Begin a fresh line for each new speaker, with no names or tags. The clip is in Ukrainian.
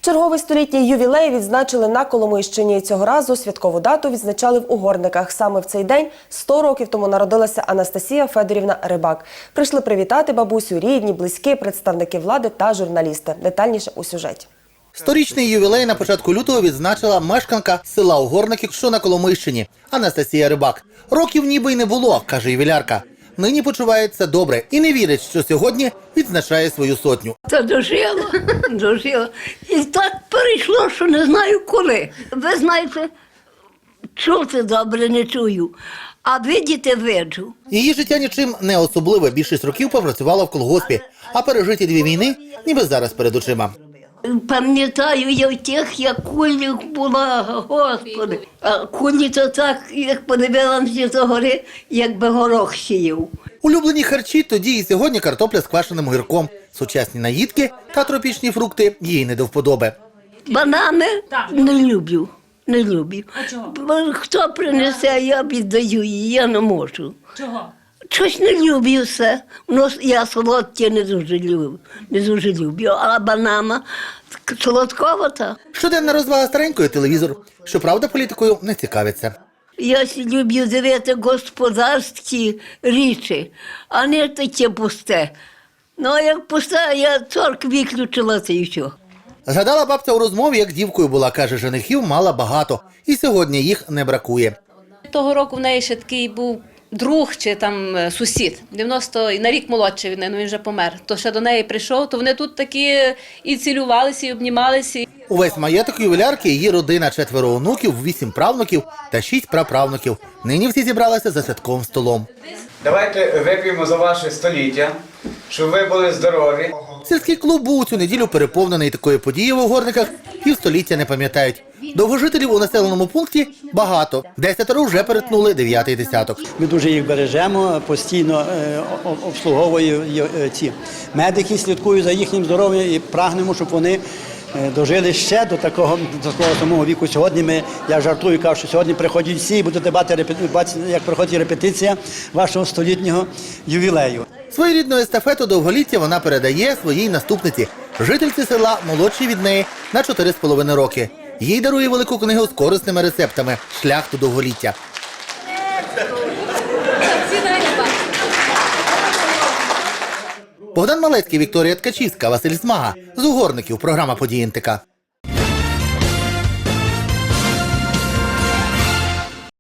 Черговий столітній ювілей відзначили на Коломийщині. Цього разу святкову дату відзначали в Угорниках. Саме в цей день 100 років тому народилася Анастасія Федорівна Рибак. Прийшли привітати бабусю рідні, близькі, представники влади та журналісти. Детальніше у сюжеті.
Сторічний ювілей на початку лютого відзначила мешканка села Угорники, що на Коломийщині, Анастасія Рибак. Років ніби й не було, каже ювілярка. Нині почувається добре і не вірить, що сьогодні відзначає свою сотню.
Та дожила. І так перейшло, що не знаю коли. Ви знаєте, чути добре не чую, а видіти виджу.
Її життя нічим не особливе. Більшість років попрацювала в колгоспі, а пережиті 2 війни ніби зараз перед очима.
Пам'ятаю я тих, як кулі була, Господи. А кулі то так, як подивилася до гори, якби горох сіяв.
Улюблені харчі тоді і сьогодні картопля з квашеним огірком. Сучасні наїдки та тропічні фрукти їй не до вподоби.
Банани не люблю. Не люблю.
А чого?
Бо хто принесе, я віддаю її, я не можу.
Чого?
Щось не люблю все. Я солодке не дуже люблю. А банана солодковата.
Щоденна розвага старенької телевізор. Щоправда, політикою не цікавиться.
Я люблю дивити господарські речі, а не таке пусте. Ну, а як пусте, я торк виключила це і все.
Згадала бабця у розмові, як дівкою була. Каже, женихів мала багато. І сьогодні їх не бракує.
Того року в неї ще такий був друг чи там сусід, 90 на рік молодший від неї, ну він вже помер. То ще до неї прийшов, то вони тут такі і цілувалися, і обнімалися.
Увесь маєток ювілярки – її родина, 4 онуків, 8 правнуків та 6 праправнуків. Нині всі зібралися за святковим столом.
Давайте вип'ємо за ваше століття, щоб ви були здорові.
Сільський клуб був у цю неділю переповнений. Такої події в Угорниках півстоліття не пам'ятають. Довгожителів у населеному пункті багато. 10 вже перетнули 9-й десяток.
Ми дуже їх бережемо, постійно обслуговуємо ці медики, слідкують за їхнім здоров'ям і прагнемо, щоб вони дожили ще до такого самого віку. Сьогодні я жартую, кажу, що сьогодні приходять всі і будете бачити, як проходить репетиція вашого столітнього ювілею.
Своєрідну естафету довголіття вона передає своїй наступниці, жительці села, молодшій від неї на 4,5 роки. Їй дарує велику книгу з корисними рецептами «Шлях до довголіття». Богдан Малецький, Вікторія Ткачівська, Василь Смага. З Угорників. Програма «Події НТК».